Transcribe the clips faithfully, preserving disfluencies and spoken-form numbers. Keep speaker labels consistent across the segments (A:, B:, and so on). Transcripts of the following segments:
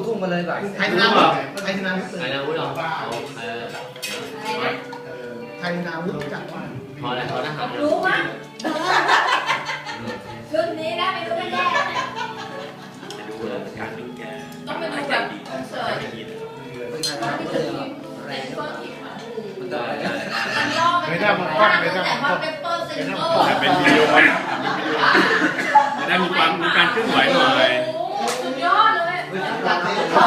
A: พุ่งมาเลยก่อน
B: ไทยนาวุฒิไทยนาวุฒิ
C: ไทยนาวุฒิเหรอเออ
B: ไทยนาวุฒิจัดว่า
C: พอแล้วพอแล้วครับ
D: รู้มั้ยรุ่นนี้นะไม่รู้กันแย่ต้องไปดูแบบคอนเสิร์ตตอนที่ถึงเซ็นเตอร์ทีมมันรอบไปแต่พอเป็นเปอร์เซ็นเตอร์
E: เป็นวิดีโอจะได้มีความมีการเคลื่อนไหวหน่อย
D: สุดยอดเลยโอ้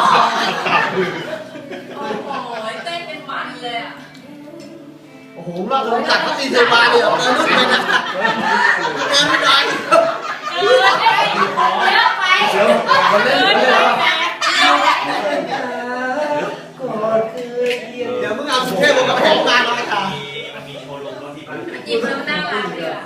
D: โหเต้นเป็นมันเลยอ่ะ
B: โอ้โหเราลงจากเขาตีเทมาเลยเอาเงินไปนะเงินไม่ได้
D: เออเยอะไปเยอะไปเ
B: ดี๋ยวมึงเอาสุเทพมาแข่งงานเราไอ้ค่ะ
D: จีบแล้วน่ารักเลยอ่ะ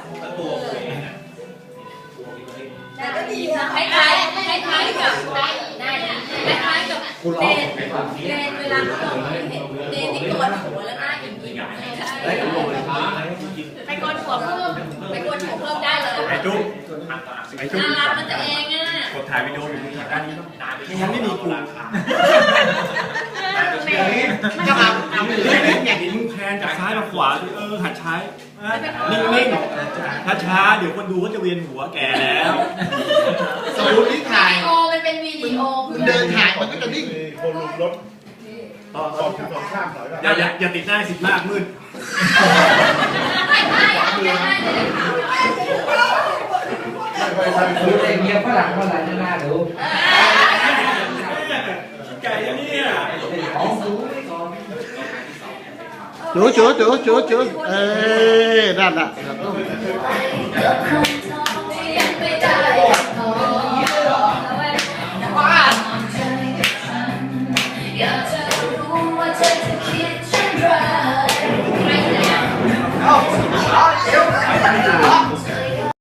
D: แต่ก็ดีนะคล้ายคล้ายคล้ายคล้ายกับได้คล้ายกับเดนเดนเวลาเขาบอกเห็นเดนที่โกนหัวแล้วหน้าอย่างนี้ไปโกนหัวเพิ่มไปโกนหัวเพิ่มได้เลย
E: ไอ้จุ๊บไอ้จุ๊บ
D: น่ารักมันจะเองอ่ะ
E: กดถ่ายวิดีโออยู่ที่ด้านนี้ต้องไม่งั้นไม่มีกูจะมาอย่างนี้มึงแพนจากซ้ายมาขวาเออหัดใช้นิ่งๆช้าๆเดี๋ยวคนดูก็จะเวียนหัวแก่แล้ว
B: สมมติที่ถ่าย
D: โอมันเป็นวิดีโอ
B: เดินถ่ายมันก็จะนิ่ง
F: คนลุมรถต่อต่อถึงสองข้ามหน่อย
E: อย่าอย่าอย่าติดหน้าสิบมากมืด
D: ไม่ไม่ไม่ไม่
A: ดูเองเงียบฝรั่งฝรั่งจะน่าดู
E: ไก่เนี่ย
B: จู๋จู๋จู๋จู๋จู๋เอ้ยนั่นน่ะ
D: อยากจะรู้ว่าเธอจะคิดเช่นไร